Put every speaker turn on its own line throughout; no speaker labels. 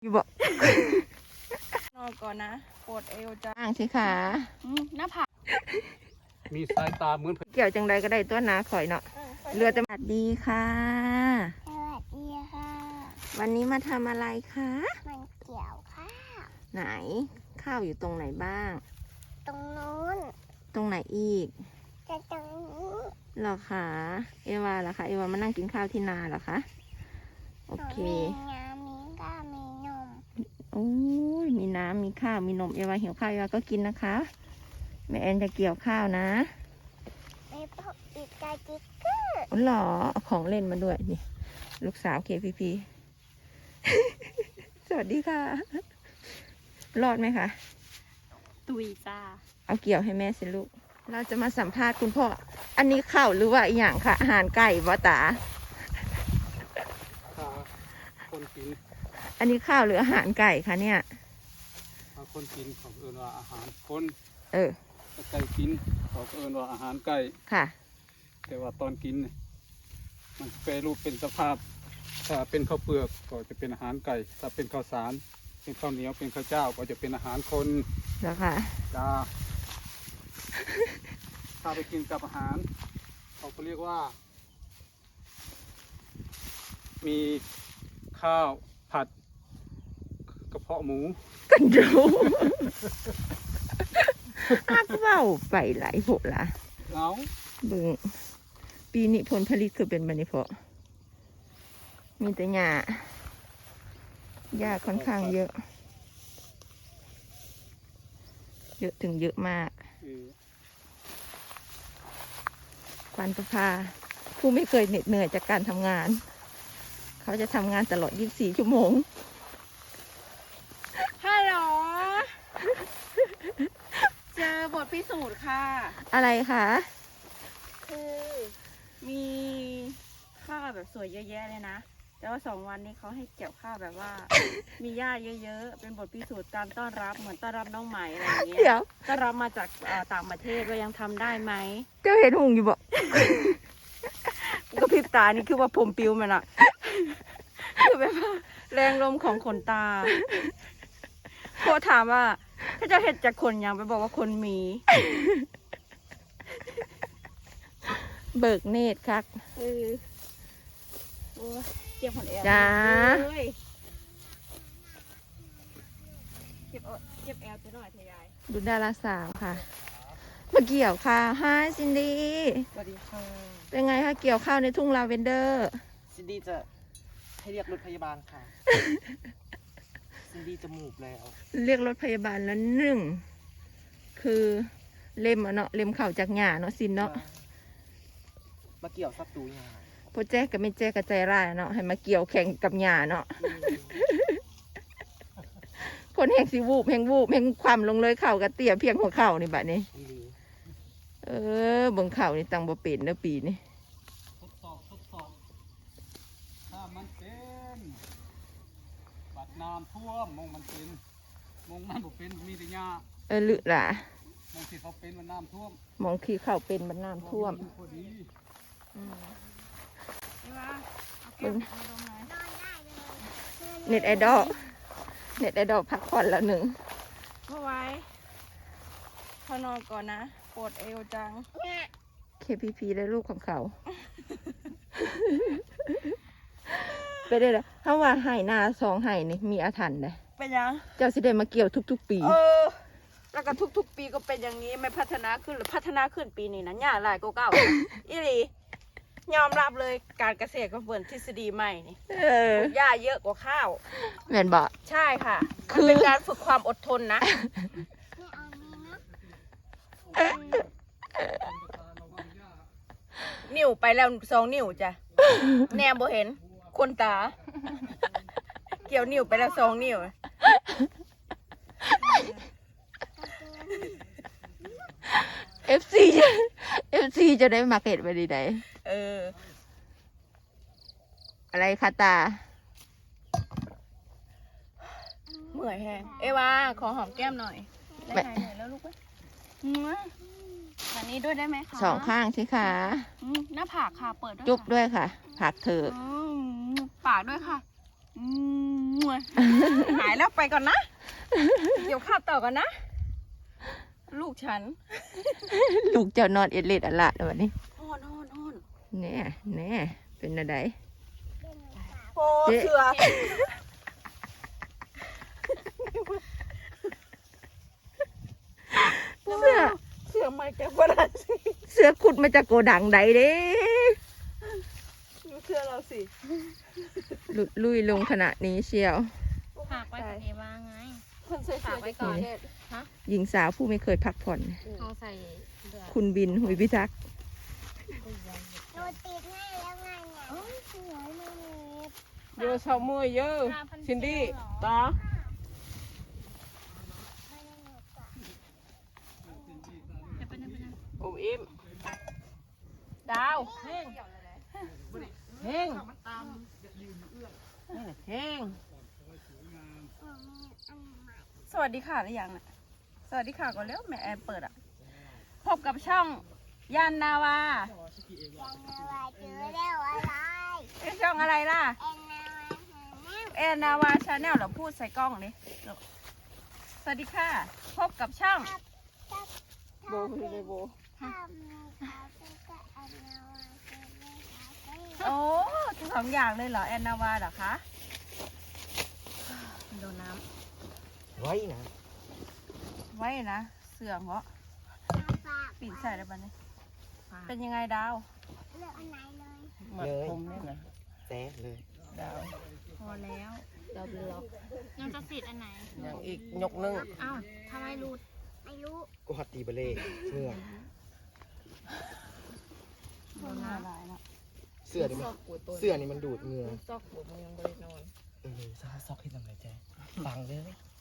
อยู่บอก
นอนก่อนนะปวดเอวจ้า
อ่างสิขา
หน้าผาก
มีสายตาเหมือน
เกี่ยวจังใดก็ได้ตัวนาข่อยเนาะเรือจะมาดีค่ะ
สวัสดีค่ะ
วันนี้มาทำอะไรคะ
มันเกี่ยวข้าว
ไหนข้าวอยู่ตรงไหนบ้าง
ตรงนู้น
ตรงไหนอีก
จะตรงนี้
เหรอคะเอวาเหรอคะเอวามานั่งกินข้าวที่นาเหรอคะโอเค
มีน้ำมีก็มีนม
โอ้ยมีน้ำมีข้าวมีนมเอวาหิวข้าวเอวาก็กินนะคะแม่แอนจะเกี่ยวข้าวนะ
มีพวกอีกกาจิกเกอร์
อ๋อเหรอเอาของเล่นมาด้วยนี่ลูกสาวเคพีพี สวัสดีค่ะ รอดไหมคะ
ตุยจ้า
เอาเกี่ยวให้แม่สิลูก เราจะมาสัมภาษณ์คุณพ่อ อันนี้ข้าวหรือว่าอหย่างค่ะอาหารไก่บ่ตา
ขาคนกิน
อันนี้ข้าวหรืออาหารไก่คะเนี่ย
คนกินของเอิญว่าอาหารคน
เออ
ไก่กินของเอิญว่าอาหารไก่
ค่ะ
แต่ว่าตอนกินเนี่ยมันแปรรูปเป็นสภาพถ้าเป็นข้าวเปลือกก็จะเป็นอาหารไก่ ถ้าเป็นข้าวสารเป็นข้าวเหนียวเป็นข้าวเจ้าก็จะเป็นอาหารคน
แล้วค่ะ
จ้า ถ้าไปกินกับอาหารเขาก็เรียกว่า มีข้าวผัดกระเพาะหมู
กันดูอักเว้าไปหลายโหละ
เอา
เบิ่งปีนี้ผลผลิตคือเป็นบัดนิเพาะมีแต่หญ้าหญ้าค่อนข้างเยอะ เยอะถึงเยอะมาก
เออ
ปันประภาผู้ไม่เคยเหน็ดเหนื่อยจากการทำงาน เขาจะทำงานตลอด 24 ชั่วโมง
ฮัลโหลเจอบทพิสูจน์ค่ะ
อะไรคะ
คือมีข้าวแบบสวยเยอะแยะเลยนะ แต่ว่า2 วันนี้เขาให้เกี่ยวข้าวแบบว่า มีหญ้าเยอะๆเป็นบทพิสูจน์การต้อนรับเหมือนต้อนรับน้องใหม่อะไรอย่างเงี้ย
เดี๋ยว
ต้อนรับมาจากต่างประเทศว่ายังทำได้ไหม
เจ้าเห็นหุงอยู่บอก
ก็พริบตานี่คือว่าผมปิวมันอะ คือแบบว่าแรงลมของขนตาโคถามว่าถ้าจะเห็ดจากคนยังไปบอกว่าคนมี
เบิกเนตรครับ
โอ้ยเจ็บหัวแอว
จ้า
เลยเจ็บแอวจะหน่อยเถอะยาย
ดูดาราสาวค่ะ มาเกี่ยวข้าวฮายซินดี้
สวัสดีค่ะ
เป็นไงคะเกี่ยวข้าวในทุ่งลาเวนเดอร์
ซินดี้จะให้เรียกรถพยาบาลค่ะ ซินดี้จะหมูกแล้ว
เรียกรถพยาบาลแล้วหนึ่ง คือเล็มอะเนาะเล็มเข่าจากหญ้าเนาะซินเนาะ
มาเกี่ยวซับตูยา
พอแจ๊กกับไม่แจ๊กกับใจร้ายเนาะให้มาเกี่ยวแข่งกับหญ้าเนาะคนแหงสิวูบแหงวูบแหงความลงเลยเข่ากับเตี้ยเพียงหัวเข่านี่บัดนี้ เออเบิ่งเข่านี่ตังบ่เป็นเด้อปีนี่
ทดสอบถ้ามันเป็นบัดน้ำท่วมมองมันเป็นมองมันบ่เป็นมีแต่หญ้า
ลึล่ะ
มองที่เขาเป็นมันน้ำท่วม
มองขี้เข่าเป็นมันน้ำท่วม
พอดี
นี่ว่าเอาเก็บมาตรงไหน
นอนได้เลย
เน็ตไอดอลเน็ตไอดอลพักผ่อนแล้วหนึ่ง
เมื่อไว้พอนอนก่อนนะปวดเอวจัง
KPP ได้ลูกของเขา ไปได้แล้วถ้าว่าไห่นาสองไห่นี่มีอาถรรพ์เลย
เป็นยัง
เจ้าสิได้มาเกี่ยวทุกๆปี
แล้วก็ทุกๆปีก็เป็นอย่างนี้ไม่พัฒนาขึ้นหรือพัฒนาขึ้นปีนี้นะหญ้าหลายกว่าเก่า อีหลียอมรับเลยการเกษตรก็เปิดทฤษฎีใหม่นี่
เออ
หญ้าเยอะกว่าข้าว
แม่นบอก
ใช่ค่ะ
คื
มัน
อ
เป็นการฝึกความอดทนนะ
ไม่เอานี้นะ
นิ้วไปแล้ว2 นิ้วจ้ะ แนมบ่เห็น คนตา เกี่ยวนิ้วไปแล้ว2 นิ้ว
FC จะได้มาเก็ตไปดีไหน
เออ
อะไรคะตา
เมื่อยแฮงเอวาขอหอมแก้มหน่อย ได้ไหมเหนื่อยแล้วลูกเว้ยอันนี้ด้วยได้ไหมคะ
สองข้างสิคะ
หน้าผากค่ะ เปิดด้วย
จุ๊บ
ค่ะ
ด้วยค่ะ ผักเถอะ
ปากด้วยค่ะหายแล้วไปก่อนนะ เดี๋ยวข้าวต่อก่อนนะ ลูกฉัน
ลูกเจ้านอนเอ็ดเล็ดอะละแล้ววันนี้
ฮอนฮอนฮอน
แน่แน่เป็นอะไร
โอ้เสือ
เสื้อ
เสือไม่แกบ่ได้สิ
เสื้อขุดมาจากโกดังใดเด้
ดูเสือเราสิ
หลุดลุยลงขณะนี้เชียว
ฝากไว้กับเอวาไง
คนใส่เสือ
ฝากไว้ก่อน
หญิงสาวผู้ไม่เคยพักผ่อน
เขาใส่เสื้อ
คุณบินหุยพิทักษ์
หนูติดให้แล้วไงเนี่ยสวยมากเลย
เยอะชาวมือเยอะซินดี้ต่อ โอมอิมดาวเฮงเฮงเฮงสวัสดีค่ะหรือยังน่ะสวัสดีค่ะก่อนเร็วแม่แอนเปิดอ่ะ พบกับช่องยานนาวา
ยังไงวะเจอแล้วอะไร
เป็นช่องอะไรล่ะ
เอ็นนาวาหาแนว
แอนนาวาชาแนลเหรอพูดใส่กล้องเลยสวัสดีค่ะ พบกับช่องโบคือเลยโบ
ถ้ามีเขาก็เอ็นนาวาเจอไม่หาเจอ
โอ้ทั้งสองอย่างเลยเหรอแอนนาวาเหรอคะ
โดนน้
ไว้นะ
ไว้นะ เสื่อมเพราะ
ฝาก
ปิดใส่ได้ปะเนี่ย
ำ
เป็นยังไงดาว
เลือกอันไหนเลย
เหมือนผมเนี่ยนะ
แซ่เลย
ดาว
พอแล้วเดี๋ยวล็อกยังจะติดอันไหน
อย่างอีกยกนึง
อ้าวทำไมรูด
ไม่รู้
กูหัดตีเบลเล่เมื่อ
โดนน้
เสื้อนี่มันเสื้อนี่มันดูดเหงื่อ
ำซอกหัวมันยังบริโนอน
ซาซอกให้ทำไรแจ๊ฟังเลย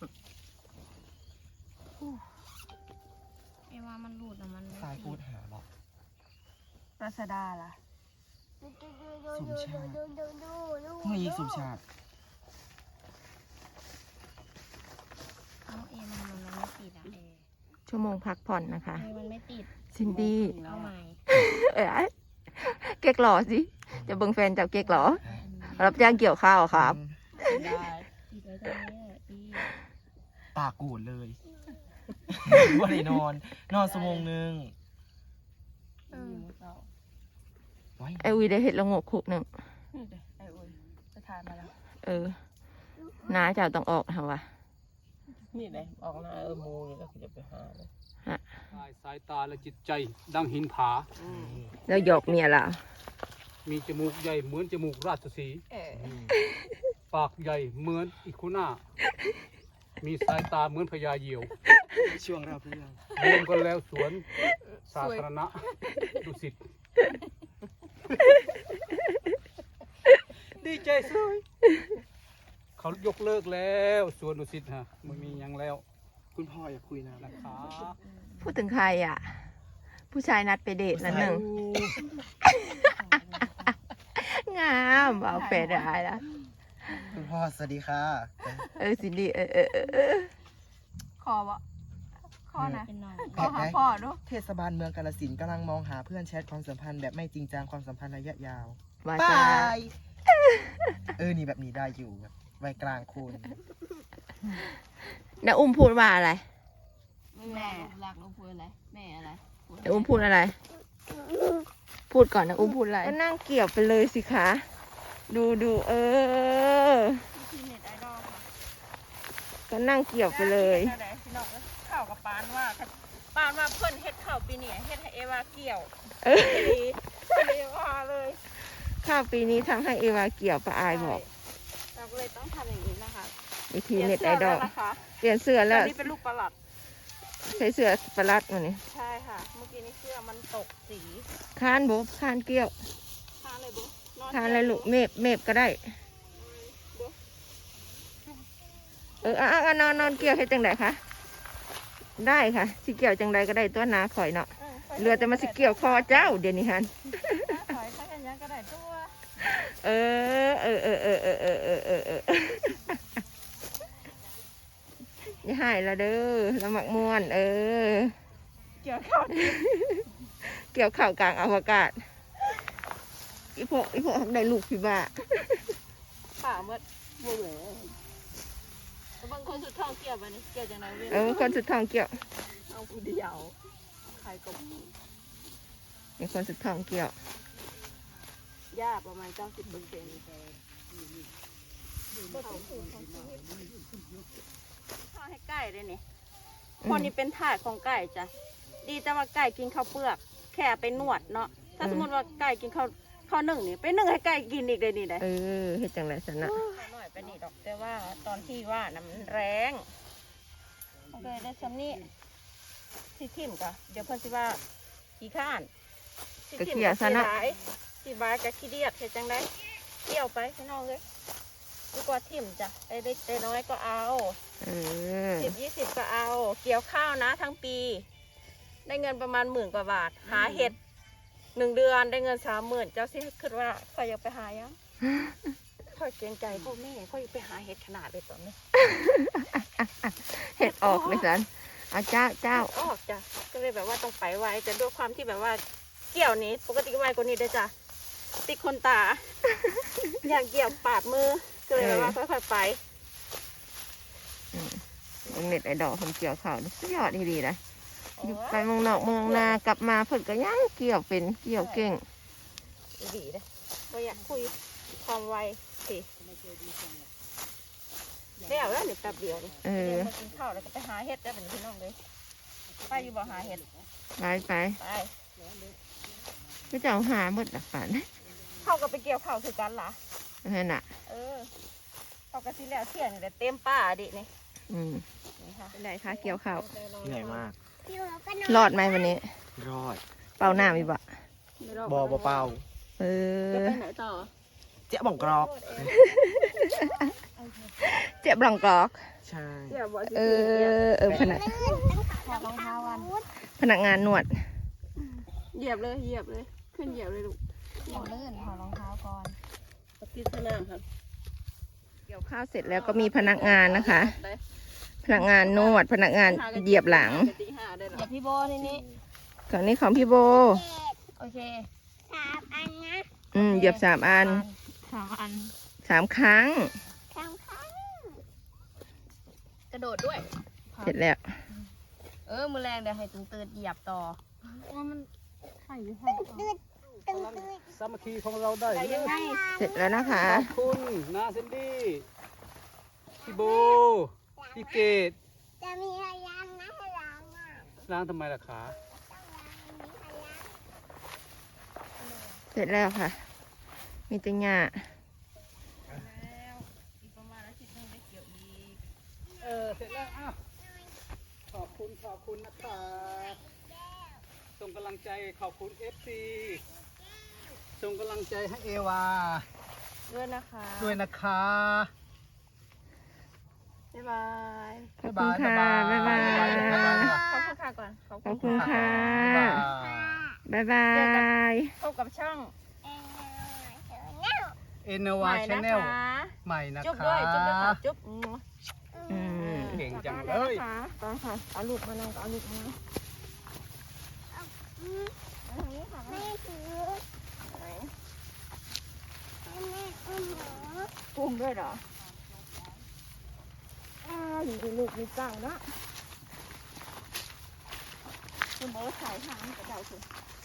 เอวามันรูดอะมัน
สายพูดหาบอก
รัชดาล่ะ
เมื่อยิงสุชาติ
เอาเอมันไม่ติดอะเอ
ชั่วโมงพักผ่อนนะคะ
เอมันไม่ติด
ซินดี้
เอาใหม่
เอ้ยเก๊กหล่อสิ จะเบิ่งแฟนจับเก๊กหล่อรับจ้างเกี่ยวข้าวครับ
ได้
ติดไว้ตรงนี้อะดี
ปากกูดเลยว่าได้นอน นอนชั่วโมงนึงไว้
ไอวีได้เห็ดละโงกคุกหนึ่ง
นี่เดี๋ยวไอ้อุ้ยไปทานมาแล้ว
น้าเจ้าต้องออกทำวะ
นี่เลยออกหน้ามูนี่แล้วจะไปหาเลย
สายตาและจิตใจดังหินผา
แล้วหยอกเมียเรา
มีจมูกใหญ่เหมือนจมูกราชสีห์
เออ
ปากใหญ่เหมือนอีคุน่า มีสายตาเหมือนพญาเหยี่ยว
ช่วงเราเพื่อน
รวมกันแล้วสวนสาธารณะดุสิตดีใจสวยเขายกเลิกแล้วสวนดุสิตฮะไม่มีหยังแล้ว
คุณพ่ออยากคุยนะ
นะคะ
พูดถึงใครอ่ะ ผู้ชายนัดไปเดทนั่นหนึ่ง งามเอาแฟนได้ละ
คุณพ่อสวัสดีค่ะ
ซินดี้
คอวะคอนะ
เป็นน้อง
คอหาพ่อดู
เทศบาลเมืองกาฬสินธุ์กำลังมองหาเพื่อนแชทความสัมพันธ์แบบไม่จริงจังความสัมพันธ์ระยะยาว
วา
บ
จา
ายนี่แบบนี้ได้อยู่แบบวัยกลางคน
แล้วอุ้มพูดว่าอะไร
แม่
รักลูกพูดอะไรแม่อะไร
แล้วอุ้มพูดอะไร พูดก่อนนะอุ้มพูดอะไรก็นั่งเกี่ยวไปเลยสิคะ ดู
ทีเน็ตไอดอลค่ะ
ก็นั่งเกี่ยวไปเลย
ได้พี่น้องข่าวกับปานว่าปานว่าเพิ่นเฮ็ดข่าวปีนี้เฮ็ดให้เอวาเกี่ยวเอวาเลย
ข้าวปีนี้ทำให้เอวาเกี่ยวป้าอายบอก
เราก็เลยต้องทำอย่างนี้นะคะ
วิธีเน็ตไอดอล
นะคะ
เปลี่ยนเสื้อ
ต
แล้
อ
วน
นี้เป็นลูกประหลัด
ใช้เสื้อประลัดมานี่
ใช่ค่ะ เมื่อกี้นี้เสื้อมันตกสี
ค้านบุ๊ค้านเกี่ยว
ทานเลยบุ๊นอน
ค้านอะไรลูกเมฟก็ได้ นอนเกี่ยวให้จังไดคะได้ค่ะสิเกี่ยวจังไดก็ได้ตัวนาข่อยเนาะเรือแต่มาสิเกี่ยวคอเจ้าเดี๋ยวนี้ฮัน
ถอยถ้าอย่างนี้ก็ได้ตัว
เอออย่าหายละเด้อละหมักม่วน
เกี่ยวข้าว
เกี่ยวข่าวกลางอวกาศอีพวกได้ลูกพี่บ้า
ขาเมื่อบ่แหวบางคนสุดท้องเกี่ยวไปนี่เกี่ยวจังไรเว้ย
คนสุดท้องเกี่ยว
เอาผู้เดียวใครก็มี
มีคนสุดท้องเกี่ยว
หญ้าประมาณ90%ข้าวให้ไก่เลยนี่คนนี้เป็นถาดของไก่จ้ะดีแต่ว่าไก่กินข้าวเปลือกแค่ไปนวดเนาะถ้าสมมติว่าไก่กินข้าวนึ่งนี่ไปนึ่งให้ไก่กินอีกเลยนี่ได้
เฮ็ดจังไรสันนะ
หน่อยไปนี่ดอกแต่ว่าตอนที่ว่าน้ำมันแรงโอเคได้ซ้ำนี่สิทิมก็เดี๋ยวเพิ่นสิว่าขี้ข้านสิทิมก็ขี้ร้ายสิบายกับขี้เดียดเฮ็ดจังไดเกี่ยวไปพี่น้องเลยดีกว่าทิมจ้ะได้น้อยก็เอา10-20ก็เอาเกี่ยวข้าวนะทั้งปี ได้เงินประมาณ10,000 กว่าบาท หาเห็ด1 เดือนได้เงิน30,000เจ้าสิคิดว่าข้อยอยากไปหายังข้อยเกรงใจพ่อแม่ข้อยอยากไปหาเห็ดขนาดเลยตอนนี้
เฮ็ดออกเลยสันเอาเจ้า
ออกจ้ะก็เลยแบบว่าต้องไปไวแต่ด้วยความที่แบบว่าเกี่ยวนี้ปกติไวกว่านี้ได้จ้ะติดคนตา อยากเกี่ยวปาดมือก็เลยแบบว่าค่อยๆไป
เน็ตไอดอลคนเกี่ยวข้าวนี่สุดยอดดีๆนะอยู่ไปเมืองนอกเมืองนากลับมาเพิ่นก็ยังเกี่ยวเป็นเกี่ยวเก่ง
ดีเลยเราอยากคุยความไวสิเดี๋ยวแล้วเดี๋ยวแป๊บเดียวเลยเดี๋ยวมากินข้าวแล้วก็ไปหาเห็ดได้เป็นพี่น้องเลยไปอยู่บ่หาเห็ด
ไป
ไป
ก็จะเอาหาหมดหลักฐาน
เข้ากับไปเกี่ยวข้าวคือกันล่ะ
นั่นน่ะ
เข้ากับที่แล้วเที่ยงแต่เต็มป่าดินี่ นี่ค่ะ
เป็นไรคะเกี่ยวข้าว
เหนื่อยมาก
อยู่ก็นอน
รอดไหมวันนี้
รอด
เป่าหน้ามีบ่
บอเปล่า
จะไปไหนต่อ
เจ๊บ่องกรอก
เจ็บหลังกรอก
ใช่
เดี๋ยวบอกสิ
พนัก
ถอดรองเท้าวัน
พนักงานนวด
เหยียบเลยขึ้นเหยียบเลยลูก
อย่างลื่นถอดรองเท้าก่อน
ที่สนามครับ
เกี่ยวข้าวเสร็จแล้วก็มีพนักงานนะคะ พนักงานนวด พนักงานเหยียบหลัง
ตีห้าได้หรอ
อย่าพี่โบนี่นี่
ก่อนนี้ของพี่โบ
โอเค
3 อันนะ
เหยียบ3 อัน
3 อัน
3 ครั้ง
3 ครั้ง
กระโดดด้วย
เสร็จแล้ว
มือแรงเดี๋ยวให้ตื่นเหยียบต่อ
ตึง
สามัคคีของเราได้
ไปยังไง
เสร็จแล้วนะคะ
ขอบคุณนาเซนดี้พี่โบพี่เกด
จะมีพยานนะให้ล้างอ่ะ
ล้างทำไมล่ะขา
ต้องล้างมีพยาน
เสร็จแล้วค่ะ มีแตัหญ้า
อีกประมาณอาทิตย์นึงได้เกี่ยวอีก
เสร็จแล้วอ้าวขอบคุณนะคะส่งกำลังใจขอบคุณ FC ส่งกำลังใจให้เอวา
ด้วยนะคะ
ด้วยนะคะ
บ๊ายบาย
ขอบคุณค่ะ บ๊ายบาย
ขอบคุณค่ะก่อน
ขอบคุณค่ะ บ๊ายบาย
พบกับช่อง
เอ็นวา
ใหม่
ชา
นะ
แนล
คะ
ใหม่นะคะ
จุ๊บด้วยค่ะจุ๊บ
เก่งจัง
เล
เลย ย
นะคะตอนค่ะเอาลูกมานั่งเอาลูกมานั่ง
แม่ถือแม่อุ้มหนู
อุ้มด้วยเหรออยู่ในลูกมีจังนะคุณบอกว่าขายทางกระเดาคือ